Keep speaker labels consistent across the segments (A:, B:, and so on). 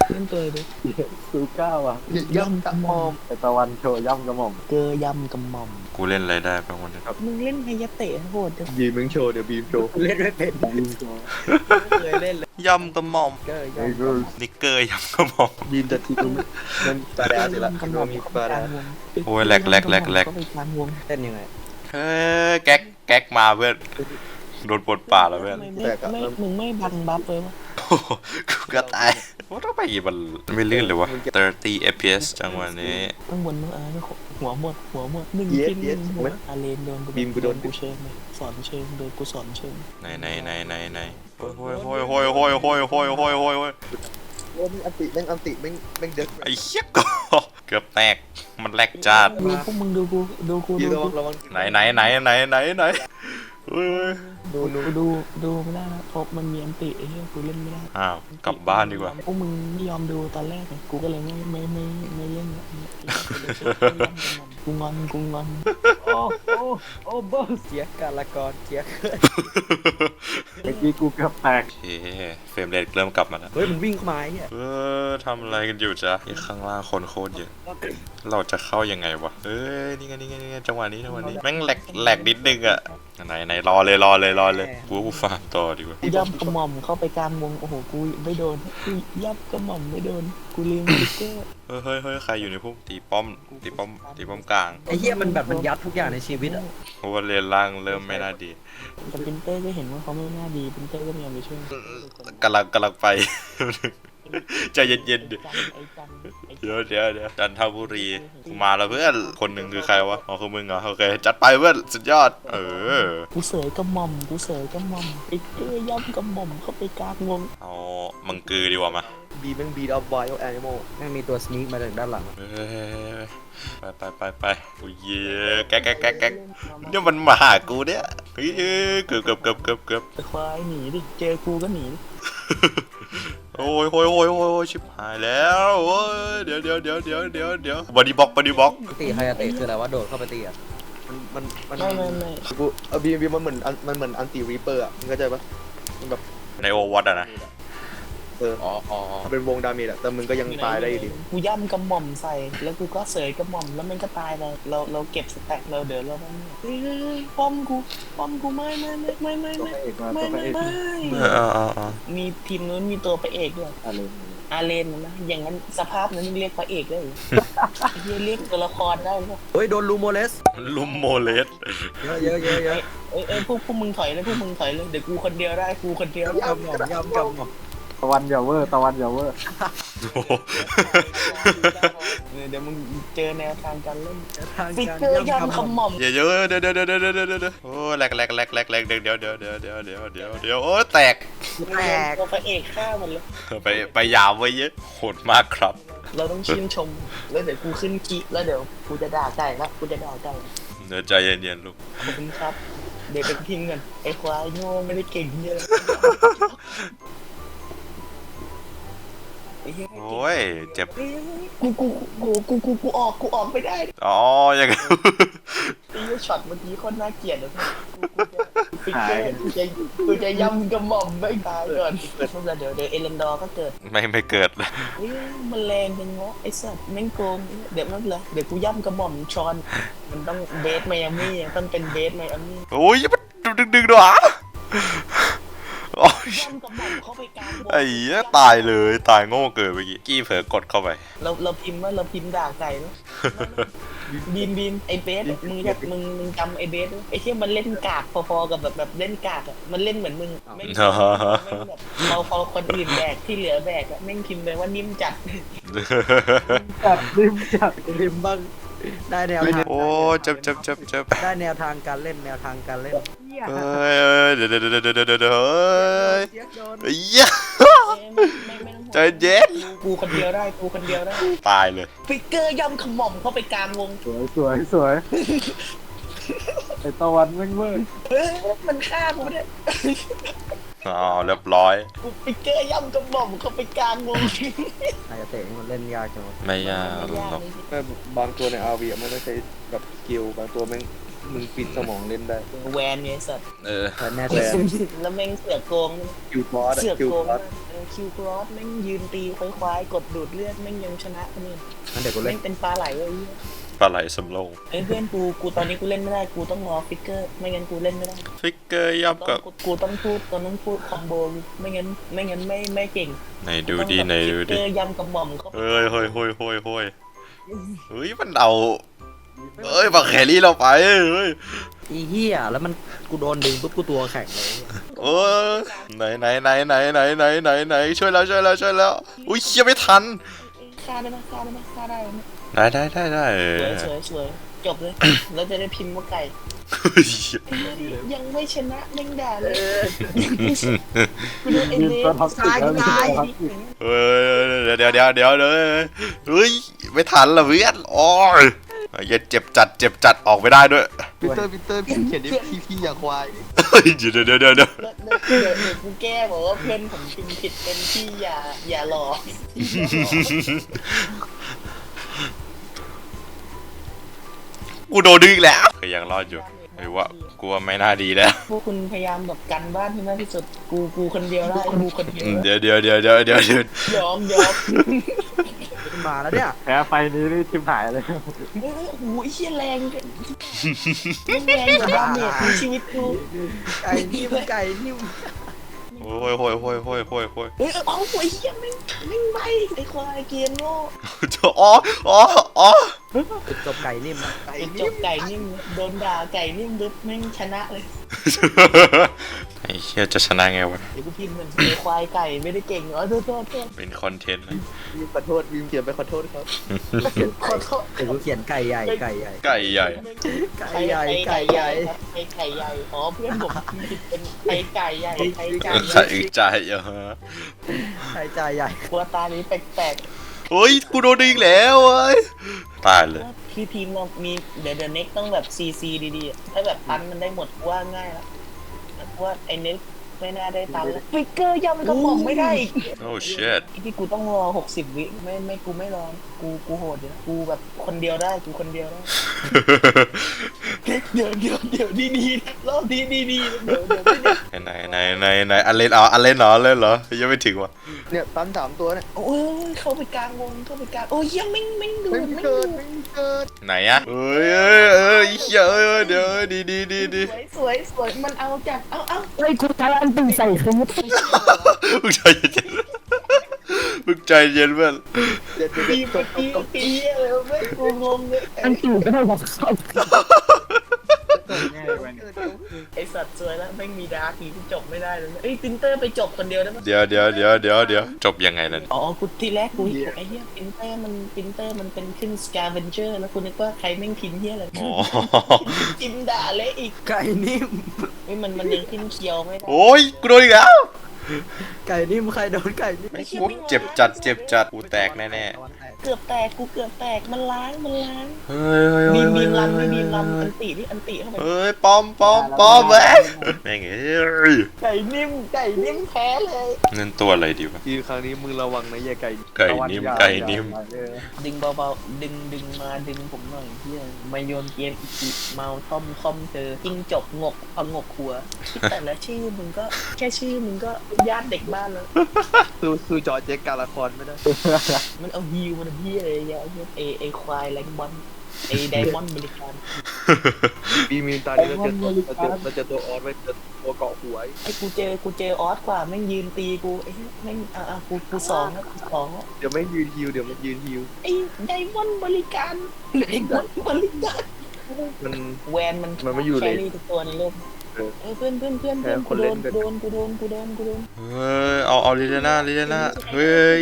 A: เล่นตัวเลยดิ
B: ซูก้าว่ะ
A: ย่ำกระหม่อม
B: ไอตะวันโชว์ย่ำกระหม่อม
A: เกยย่ำกระหม่อม
C: กูเล่นอะไรได้บ้างวันนี้
A: มึงเล่นไฮยะเตะโหดจัง
B: บีมมึงโชว์เดี๋ยวบีมโชว์
D: เล่นไม่เป็น
B: บีมโชว์
D: เคยเล่นเลย
C: ย่ำกระหม่อม
D: เกย
B: ไอ้กู
C: นิกเกอร์ย่ำกระหม่อม
B: บีมจะทีกูมันบาดาสิละ
A: กระ
B: คิด
A: หม่อ
B: ว่าม มี
A: เข้าไป
B: บาก
A: ลา
B: ดาง
A: วง
C: โอ้ยแหลกแหลกแหลกแหลก
A: เข้าไปกลางวง
D: เล่นยังไง
C: เฮ้ยแก๊กมาเพื่อนโดนปลดป่าแล้วเพื่อน
A: ทำไมมึงไม่บังบัฟเลยวะ
C: โอ้โหกูก็ตายว่าต้องไปกี่มันไม่ลื่นเลยวะ30 fps จังหวะนี้
A: ข้างบนมึงหัวหมดหนึ่งกินหนึ่งหัวอาเลนโดนกูเชิงเลยสอนเชิงโดนกูสอนเชิง
C: ไหนโอ้ยโอ้ยโอ้ยโอ้ยโอ้ยโอ้ยโอ้ยโอ้ยโอ้ย
B: โอ้ยอันติแม่งเด็ก
C: ไอ้เหี้ยก็เกือบแตกมันแหลกจัด
A: ดูพวกมึงดูกู
B: บีมระวัง
C: ไหนเฮ้ย
A: ดูไม่ได้นะเพราะมันมีอันติไอ้เหี้ยกูเล่นไม่ได้
C: อ้าวกลับบ้านดีกว่า
A: พวกมึงไม่ยอมดูตอนแรกไงกูก็เลยไม่เล่นกูงอน
D: โอ้บอสเสียการละกรเสีย
B: เมื่อกี้กูเกือบแตก
C: โอเคเฟรมเรทเริ่มกลับมาแล้ว
D: เฮ้ยมันวิ่งเข้ามาไอ้เนี่ย
C: ทำอะไรกันอยู่จ๊ะนี่ข้างล่างคนโคตรเยอะเราจะเข้ายังไงวะนี่ไงจังหวะนี้แม่งแหลกนิดนึงอะไหนรอเลยกูฟาร์มต่อดีกว่า
A: กูย่ำกระหม่อมเข้าไปกลางวงโอ้โหกูไม่โดนกูย่ำกระหม่อมไม่โดนกูลืมสติ๊กเกอร์
C: เฮ้ยใครอยู่ในพุ่มตีป้อมกลาง
D: ไอ้เหี้ยมันแบบมันยัดทุกอย่างในชีวิตอ่ะ
C: เพราะว่าเลนล่างเริ่มไม่น่าดี
A: แต่ปินเต้ก็เห็นว่าเขาไม่น่าดีปินเต้ก็พยายามไปช่วย
C: กำลังไป ใจเย็นๆดิ
A: ไอ้จัน
C: เดี๋ยวจันทบุรีกูมาแล้วเพื่อนคนหนึ่งคือใครวะอ๋อคือมึงเหรอโอเคจัดไปเพื่อนสุดยอด
A: กูเสยกระหม่อมปินเต้ย่ำกระหม่อมเข้าไปกลางวง
C: เอามังกือดีกว่ามา
B: บีมแม่งบีดเอาไวเอาแอนิมอล
D: แม่งมีตัวสนีกมาจากด้านหลัง
C: ไปโอ้ยแก๊กเนี่ยมันมาหากูเนี่ยเฮ้ยเกือบ
A: ไอ้ควายหนีดิเจอกูก็หนีดิ
C: โอ้ยชิบหายแล้วโอ้ยเดี๋ยวบอดี้บล็อก
D: ตีไฮยาเตะคืออะไรวะโดดเข้าไปตีอ่ะ
B: มัน
A: ไม่
B: กูบีมมันเหมือนอันติรีเปอร์อ่ะมึงเข้าใจปะมันแบบ
C: ในโอวัตอะนะ
D: อ๋อ
B: เป็นวงดาเมจอะแต่มึงก็ยังตายได้อยู่ดี
A: กูย่ำกระหม่อมใส่แล้วกูก็เสยกระหม่อมแล้วมันก็ตายไปเราเก็บสแต็กเราเดี๋ยวเราเฮ้ยป้อมกูไม่
B: ตัวพระเอกมาตัวพระเอกมา
A: มีทีมนู้นมีตัวพระเอกด้วย
B: อะไร
A: อาเลนนะอย่างนั้นสภาพนั้นเรียกพระเอกได้หรือเรียกตัวละครได้หรือเปล่า
D: เฮ้ยโดนลูโมเลส
C: ลุมโมเลส
D: เยอะ
A: พวกมึงถอยเลยเดี๋ยวกูคนเดียวได้กูคนเดียว
D: กำหม่อม
B: ตะวันอย่าเวอร์
A: เดี๋ยวมึงเจอแนวทางการเล่น
D: ทาง
A: ฟิก
D: การ
A: เกอร์
D: ย่ำ
A: ย่ำ
D: กำหม่อม
A: คำหม่อม
C: เดี๋ยวโอ้แหลกเดี๋ยวโอ้แตก
A: ตัวพระเอกฆ่ามันเลย
C: ไปยาวไว้เยอะโหดมากครับ
A: เราต้องชื่นชมแล้วเดี๋ยวกูขึ้นคีแล้วเดี๋ยวกูจะด่าไก่ละกูจะด่าไก่
C: เนื้อใจเย็นๆลูก
A: ขอบคุณครับเดี๋ยวไปทิ้งกันไอ้ควายโง่ไม่ได้เก่งเยอะ
C: โอ้ยเจ็บ
A: กูออกไม่ได้
C: อ๋อยังไง
A: ตีช็อตเมื่อกี้คนน่าเกลียดเลยกูจะย่ำกระหม่อมไม่ตายก่อนเดี๋ยวเอเลนดอร์ก็เกิด
C: ไม่เกิดเลย
A: มันแรงเป็นเงาะไอ้สัตว์แม่งโกงเดี๋ยวนั่นเลยเดี๋ยวกูย่ำกระหม่อมชอนมันต้องเบสไมอามี่ต้องเป็นเบสไมอามี่
C: โอ้ยมันดึงด้วยอ่ะโอ้ย
A: ย่ำกระหม่อมเข้าไปกลางวง
C: ไอ้เหี้ยตายเลยตายโง่เกินเมื่อกี้กี้เผลอกดเข้าไป
A: เราพิมพ์ด่าไก่แล้วบีมไอเบสมึงจำไอเบสไอที่มันเล่นกากพอๆกับแบบเล่นกากอ่ะมันเล่นเหมือนมึงไม่แบบพอคนอื่นแบกที่เหลือแบกอ่ะแม่งพิมพ์ไปว่านิ่มจัด
D: ริมบ้างได้แนวทาง
C: โอ้เจ็บ
D: ได้แนวทางการเล่นเ
C: เฮ้ยเดี๋ยวเฮ้ย
D: เสียโดน
C: ไอ้เหี้ยใจเย็น
A: กูคนเดียวได้
C: ตายเลย
A: ฟิกเกอร์ย่ำขมอมเข้าไปกลางวง
B: สวยไอตะวันแม่งเวอร์
A: มันฆ่ากูเนี่ย
C: อ๋อเรียบร้อย
A: กูฟิกเกอร์ย่ำขมอมเข้าไปกลางวง
D: ไฮยาเตะมันเล่นยากจังวะ
C: ไม่ยากหรอก
B: บางตัวในอาวีมันต้องใช้แบบสกิลบางตัวแม่ง
D: มึงปิดสมองเล่นได้
A: แวนเนี่ยสัตว์
C: เออ
D: แน่ใจ
A: แล้วแม่งเสือกโกง
D: คิวบอส
A: เสือก
D: คิว
A: โกง
D: บอส
A: คิวครอสแม่งยืนตีควายๆกดดูดเลือดแม่งยังชนะคนอื่น
D: งั้นเดี๋ยวกูเล่
A: แม่
D: น
A: งเป็นปลาไหลเลย
C: ปลาไหลสำโรง
A: ไอ้เพื่อนกูตอนนี้กูเล่นไม่ได้กูต้องรอฟิกเกอร์ไม่งั้นกูเล่นไม่ได้
C: ฟิกเกอร์ย่ำกับ
A: กูต้องพูดคอมโบไม่งั้นไม่เก่ง
C: ไหนดูดีไหนดู
A: ฟิก
C: ดิ
A: เกอร์ยำกับหม่อมเขา
C: เฮ้ยมันเอาเฮ้ยบักแครี่เราไปเฮ้ย
D: อีเหี้ยแล้วมันกูโดนดึงปุ๊บกูตัวแข็งเลย
C: เออไหนช่วยแล้วอุ้ยเชี่ยไม่ทัน
A: ฆ่าได้ไหมฆ่าได้ไหม
C: ได้
A: สวยจบเลย แล้วจะได้พิมพ์ว่าไก่
C: เฮ้ย
A: ยังไม่ชนะแม่งด่าเลยกูดูเอ็น
B: ยืน
A: เด
B: ตัวท็อปสิบ
A: ตาย
B: แล้ว
A: ตาย
C: เฮ้ยเดี๋ยวเลยเฮ้ยไม่ทันละเพื่อนโอ้ยอย่าเจ็บจัดออกไม่ได้ด้วย
D: ปีเตอร์พี่เขียนดิพี่อย่าควาย
C: เฮ้ยเดี๋ยว
A: เดี๋ยวกูแก้บอกว่าเพื่อนผมพิมพ์ผิดเป็นที่อย่าหลอก
C: กูโดนดึงอีกแล้วก็ยังรอดอยู่ไอ้วะกูว่าไม่น่าดีแล้ว
A: พวกคุณพยายามแบบกันบ้านให้มากที่สุดกูคนเดียวได้กูคนเดียว
C: เดี๋ยว
A: ยอม
D: มาแล้วเนี่ย
B: แพ้ไฟนี้นี่ชิบหายเลย
A: โอ้โหเชี่ยแรงกันแรงกว่าดาเมจในชีวิตกู
D: ไก่นิ่ม
C: โอ้ย
A: เฮ้ยเอาไอ้เหี้ยไม่ไปไอ้ควายเกียร์โง่
C: อ๋อ
D: จบไก่นิ่ม
A: ไอ้จบไก่นิ่มโดนด่าไก่นิ่มดึ๊บแม่งชนะเลย
C: ไอ้เชี่ยจะชนะไงวะ
A: เดี๋ยวกูพิมพ์เหมือนไอ้ควายไก่ไม่ได้เก่งเหรอโทษ
C: เป็นคอนเทนต์นะ
D: วิมขอโทษวิมเขียนไปขอโทษครับ
A: ขอโทษ
D: แต่กูเขียนไก่ใหญ่
C: ไก่ใหญ่
D: ไก่ใหญ่
A: ไก่ใหญ่อ๋อเพื่อนผมผิดเป็นไอ้ไก่ใหญ่ไอ้ไก่ใหญ่
C: ใจเยอะ
D: ไก่ใจใหญ่
A: กลัวตานี้แปลก
C: เฮ้ยกูโดนดึงแล้วเว้ยตายเลย
A: ๆพี่ทีมเรามีเดี๋ยวเน็กต้องแบบซีดีๆถ้าแบบตันมันได้หมดว่าง่ายแล้วว่าไอ้เน็กไม่น่าได้ตันแล้วฟิกเกอร์ย่ำกระหม่อมไม่ได้อีก
C: โอ้ shit
A: ที่กูต้องรอ60 วิกูไม่รอกูโหดอยู่นะกูแบบคนเดียวได้กูคนเดียวได้เดี๋ยวดีๆนะรอบดีๆเดี๋ยวไม่ได้
C: ไหนอันเล่นเหรอยังไม่ถึงวะ
D: เนี่ยตัน3ตัวเนี่ย
A: โอ้ยเข้าไปกลางวงโอ้ยยังไม่ดู
D: ไม่เกิด
C: ไหนอะเอ้ยเหี้ยเดี๋ยวดี
A: สวยมันเอาจากเอา
B: เฮ้ยกูใช้อันตึงใส่คือ
C: มึงใจเย็นเพื่อน
D: เดี๋ยว
A: ปีอะไรไม่กูงงเลย
B: อันตึงก็ได้บอกเขา
A: ไอสัตว์สวยแล้วไม่มีดาร์กที่จบไม่ได้เลยเอ้ยปินเตอร์ไปจบคนเดียวได้ไหม
C: เดี๋ยวจบยังไงล่ะ
A: อ๋อกูทีแรกกูไอ้เหี้ยปินเตอร์มันเป็นขึ้นสกาเวนเจอร์แล้วกูนึกว่าใครแม่งพิมพ์เหี้ยอะไร
C: อ๋อ
A: จิมด่าเละอีก
D: ไก่นิ่ม
A: เฮ้ยมันยังขึ้นเคียวไม่ได้
C: โอ้ยกูโดนอีกแล้ว
D: ไก่นิ่มใครโดนไก่นิ่ม
C: กูเจ็บจัดกูแตกแน่
A: เกือบแตกมันล้าง
C: ๆเฮ้ย
A: มีลำอันติเข้าไป
C: เฮ้ยปอมแม่งเอ้ย
A: ไก่นิ่มแพ้เลย
C: นั่นตัวอะไรดีวะ
D: ทีครั้งนี้มึงระวังนะอย่าไก่
C: ไก่นิ่ม
A: ดึงเบาๆดึงมาดึงผมหน่อยเฮียมาโยนเกมอีกเมาท่อมเจอจิ้งจกงกพงกหัวแต่ละชื่อมึงก็แค่ชื่อมึงก็ญาติเด็กบ้านแล้ว
D: คือจอเจ๊กการละครไม่ได้
A: มันเอาฮิวมันเฮียอะไรเงี้ยไอควายแรงบอลไอไดมอนด์บริการ
D: มีตอนนี้เราจะตัวออสไว้ตัวเกาะหัว
A: ไอกูเจอออสกว่าแม่งยืนตีกูไอ้แม่งกูสองแล้ว
D: เดี๋ยวไม่ยืนฮิว
A: ไอ้ไดมอนด์บริการ
D: มัน
A: แวนมัน
D: ไม่อยู่เลย
A: แครี่ทุกตัวในโลกเพื่อนกูโดน
C: เฮ้ยเอาลิเลียนาเฮ้ย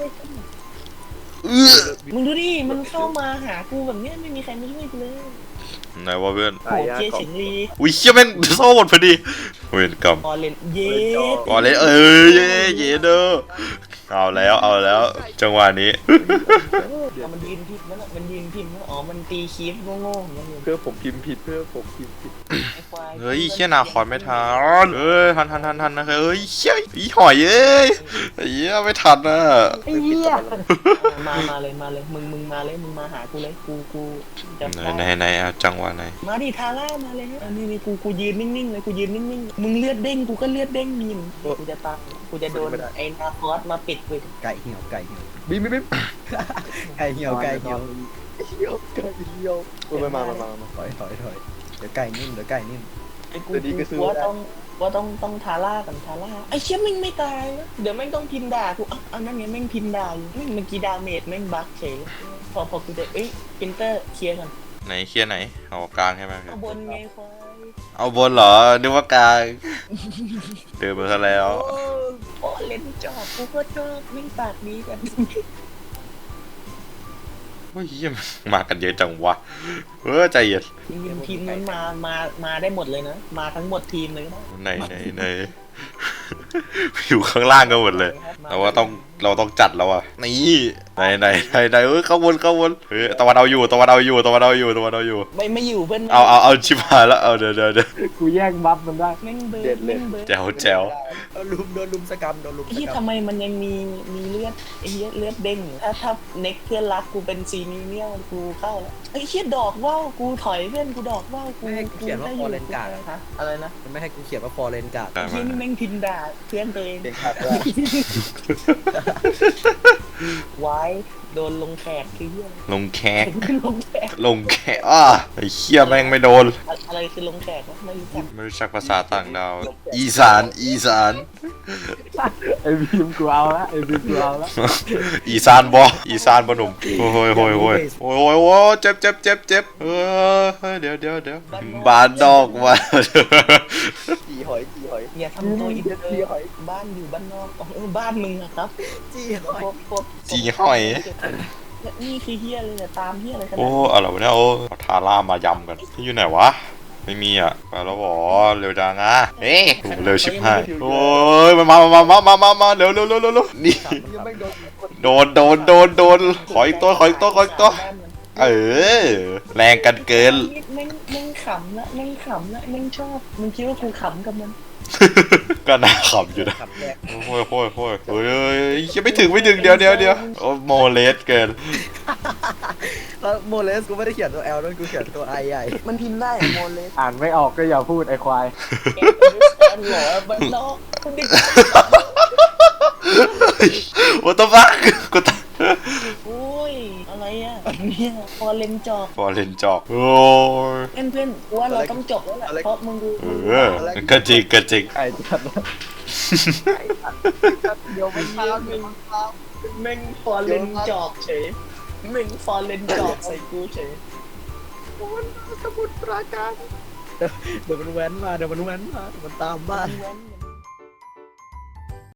A: มึงดูดิมันเข้ามาหากูแบบเนี้ยไม่มีใครมาช่วยกูเลย
C: ไหนวะเพื่อน
A: โหเจียเฉิงลี
C: อุ้ยเชี่ยแม่งโซ่หมดพอดีเวรกรรม
A: ออเลนเย็ด
C: ก่อนเลยเย้เด้อเอาแล้วจังหวะนี้
D: เ
A: เอามันยืนพิมพ์นั่นแหละมันยืนพิมพ์นั่นอ๋อมันตีคีฟโง่ๆอย่างเงี้ย
D: เพื่อผมพิมพ์ผิดเพื่อผมพิมพ์ผิด
A: ไอ้ควาย
C: เฮ้ยเชี่ยนาคอนไม่ทันเอ้ยทันนะเฮ้ยเชี่ยอีหอยเอ้ยไอ้เหี้ยไม่ทันอ่ะ
B: ไอ้เหี้ย
A: มาเลยมึงมาเลยมึงมาหากูเลยกูจะ
C: ไหนเอาจังหวะไหน
A: มาดิทาร่ามาเลยอันนี้กูยืนนิ่งๆเลยกูยืนนิ่งๆมึงเลือดเด้งกูก็เลือดเด้งมีมกูจะตายกูจะโดนไอ้นาคอสมาปิดกู
B: ไก่เหี่ยวไก่เหี่ยว
D: บีม
B: ไก่เหี่ยวไก่เหี่ยว
D: เหี่ยวไก่เหี่ยวมา
B: ถอยเดี๋ยวไก่นิ่มเดี๋ยวไก่นิ่ม
A: ไอ้กูว่าต้องทาร่ากันทาร่าไอ้เชี่ยแม่งไม่ตายนะเดี๋ยวแม่งต้องพิมพ์ด่ากูอันนั้นไงแม่งพิมพ์ด่าอยู่แม่งเมื่อกี้ดาเมจแม่งบั๊กเฉยพอกูจะพินเตอร์เคลียร์กัน
C: ไหนเคลียร์ไหนเอากลางใช่ไหม
A: เอาบนไงควาย
C: เอาบนเหรอนึกว่ากลางเดินมาซะแล้ว
A: โอ้เล่นจอบกูก็ชอบแม่งปากดีกัน
C: เฮ้ยเหี้ยมากันเยอะจังวะใจเย็น
A: ทีมนั้นมาได้หมดเลยนะมาทั้งหมดทีมเลยก็ได้
C: ไหนอยู่ข้างล่างกันหมดเลยเราต้องจัดแล้วอ่ะนี่ไหนเข้าวนตะวันเอาอยู่
A: ไม่อยู่เพื่อน
C: เอาชิบหายแล้วเอาเดี๋ยว
B: กูแย่งบัฟมันได้
A: แม่งเบิร์ดแม่งเบิร์ด
C: แจ๋ว
B: โดนลุมสกรรมโดนลุมส
A: ไอ้เหี้ย
B: กรรม
A: ทำไมมันยังมีเลือดไอ้เหี้ยเลือดเด้งอยู่ถ้าเน็กเพื่อนรักกูเป็นซีนีเนียลกูเข้าแล้วไอ้เหี้ยดอกว่าวกูถอยเพื่อนกูดอกว่าวกู
B: ไม่ให้กูเขียนว่าฟอร์เรนการ์ด
A: ฮะอะไรนะ
B: มันไม่ให้กูเขียนว่าฟอร์เรนการ์ด
A: ไอ้เหี้ยนี่แม่งพินด่าเพื่อนตัวเอง
D: เก่งขัดว่า
A: ไว้โดนลงแขกคือเหี้ย
C: ลงแขก
A: ลงแขก
C: ไอ้เหี้ยแม่งไม่โดน
A: อะไรคือลงแขกวะไม่รู้จัก
C: ไม่รู้จักภาษาต่างดาวอีสาน
B: ไอ้บีมกูเอาละไอ้บีมกูเอาละ
C: อีสานบ่หนุ่มโอ้ยเจ็บเดี๋ยวบานดอกมา
D: จีหอย
A: อย่าทำตัวอินเตอร์บ้านอยู่บ้านนอกบ้านมึงอะครับ
B: จี้หอย
A: พวก
C: จีหอย
A: นี่คือเฮียเลยเนี่ยตามเฮียอะไรขนาด
C: โอ้อะไรวะเนี่ยโอ้เอาทาร่ามายำกันที่อยู่ไหนวะไม่มีอ่ะไปแล้วบอเร็วจังอ่ะเอ๊ะเร็วชิบหายโอ้ยมาเร็วนี่
D: ยังไม่โดน
C: โดนขออีกตัวเออแรงกันเกิน
A: แม่งขำละแม่งขำละแม่งชอบมึงคิดว่ากูขำกับมัน
C: ก็น่าขำอยู่นะ
B: ขับแยก
C: โอ้ยเฮ้ยยังไม่ถึงเดี๋ยวโอ้โมเลสเกิน
B: แล้วโมเลสกูไม่ได้เขียนตัว L ด้วยกูเขียนตัว I ใหญ่
A: มันพิมพ์ได้โมเลส
B: อ่านไม่ออกก็อย่าพูดไอ้ควาย
A: แกนหรอบ้านนอกคุณดิ
C: What the fuck กูตาย
A: โอ้ยอะไรอ่ะเนี่ยพอเลนจอก
C: ฟอร์เรนจอกโอ้ย
A: เพื่อนกูว่าเราต้องจบแล้วแหละเพราะมึงดู
C: ก็จริง
B: ไก่จัด
A: เดี๋ยวมันพาแม่งฟอเลนจอกเฉยแม่งฟอเลนจอกใส่กูเฉย
B: เดี๋ยวมันแว้นมาเดี๋ยวมันตามบ้าน
A: แว้น